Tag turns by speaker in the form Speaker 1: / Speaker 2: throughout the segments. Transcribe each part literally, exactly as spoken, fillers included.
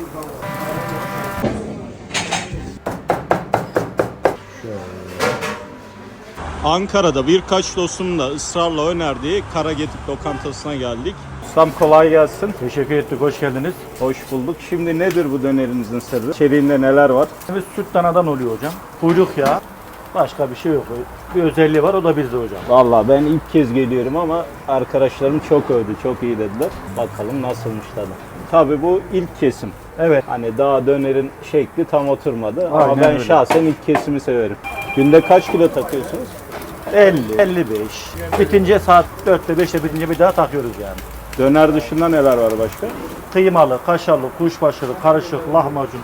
Speaker 1: Ankara'da birkaç dostumun da ısrarla önerdiği Karagedip lokantasına geldik. Ustam kolay gelsin.
Speaker 2: Teşekkür ettik, hoş geldiniz.
Speaker 1: Hoş bulduk. Şimdi nedir bu dönerinizin sırrı? İçeriğinde neler var?
Speaker 2: Biz süt danadan oluyor hocam. Kuyruk yağı, başka bir şey yok. Bir özelliği var, o da bizde hocam.
Speaker 1: Vallahi ben ilk kez geliyorum ama arkadaşlarım çok övdü, çok iyi dediler. Bakalım nasılmış tadı. Tabii bu ilk kesim.
Speaker 2: Evet.
Speaker 1: Hani daha dönerin şekli tam oturmadı.
Speaker 2: Aynen
Speaker 1: ama ben
Speaker 2: öyle.
Speaker 1: şahsen ilk kesimi severim. Günde kaç kilo takıyorsunuz?
Speaker 2: elli, elli beş. Bitince saat dörtte beşte bitince bir daha takıyoruz yani.
Speaker 1: Döner dışında neler var başka?
Speaker 2: Kıymalı, kaşarlı, kuşbaşılı, karışık, lahmacun.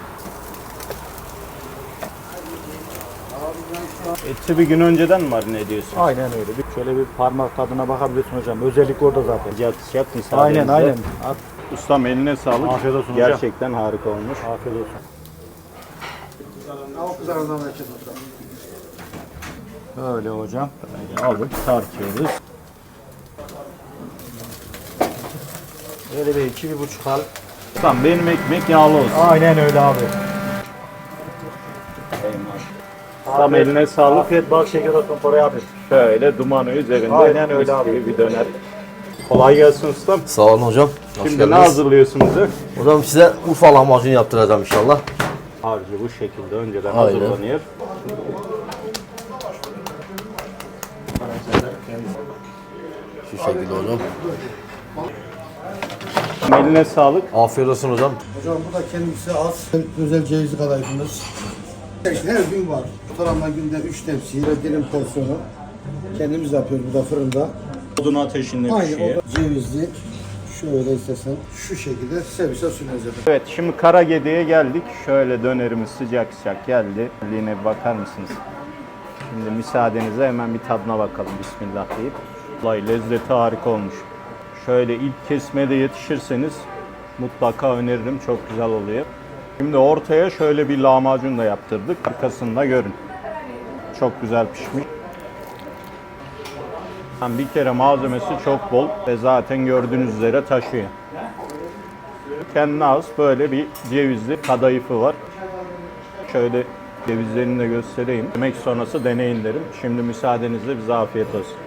Speaker 1: Eti bir gün önceden mi marine ediyorsun?
Speaker 2: Aynen öyle. Bir şöyle bir parmak tadına bakabilirsin hocam. Özellik orada zaten.
Speaker 1: Sıcak sıcak müsaadenizle.
Speaker 2: Aynen aynen. At.
Speaker 1: Ustam eline sağlık.
Speaker 2: Afiyet olsun hocam.
Speaker 1: Gerçekten harika olmuş.
Speaker 2: Afiyet olsun. Öyle hocam.
Speaker 1: Böyle alıp tartıyoruz.
Speaker 2: Böyle bir iki, bir buçuk al.
Speaker 1: Ustam benim ekmek yağlı olsun.
Speaker 2: Aynen öyle abi.
Speaker 1: Ustam eline sağlık.
Speaker 2: Afiyet, bal şeker olsun Koray abi.
Speaker 1: Şöyle dumanı üzerinde.
Speaker 2: Aynen öyle
Speaker 1: mis
Speaker 2: abi.
Speaker 1: gibi bir döner. Kolay gelsin ustam.
Speaker 3: Sağ olun hocam. Hoş
Speaker 1: Şimdi ne
Speaker 3: geldiniz.
Speaker 1: hazırlıyorsun bize?
Speaker 3: Hocam size Urfa lahmacun yaptıracağım inşallah.
Speaker 1: Harcı bu şekilde önceden
Speaker 3: Aynen.
Speaker 1: hazırlanıyor.
Speaker 3: Şu şekilde hocam.
Speaker 1: Eline sağlık.
Speaker 3: Afiyet olsun hocam.
Speaker 4: Hocam bu da kendisi az. Özel cevizli kadayıfımız. Her gün var. Ortalama günde üç tepsi ve dilim porsiyonu. Kendimiz yapıyoruz burada fırında.
Speaker 1: Odun ateşinde
Speaker 4: Aynı
Speaker 1: pişiyor.
Speaker 4: o da cevizli. Şöyle istesen şu şekilde servise sunuyoruz.
Speaker 1: Evet şimdi Karagedi'ye geldik. Şöyle dönerimiz sıcak sıcak geldi. Yine bir bakar mısınız? Şimdi müsaadenizle hemen bir tadına bakalım. Bismillah deyip. Vallahi lezzeti harika olmuş. Şöyle ilk kesmede yetişirseniz mutlaka öneririm. Çok güzel oluyor. Şimdi ortaya şöyle bir lahmacun da yaptırdık. Arkasını da görün. Çok güzel pişmiş. Yani bir kere malzemesi çok bol ve zaten gördüğünüz üzere taşıyor. Kendine az böyle bir cevizli kadayıfı var. Şöyle cevizlerini de göstereyim. Yemek sonrası deneyin derim. Şimdi müsaadenizle bize afiyet olsun.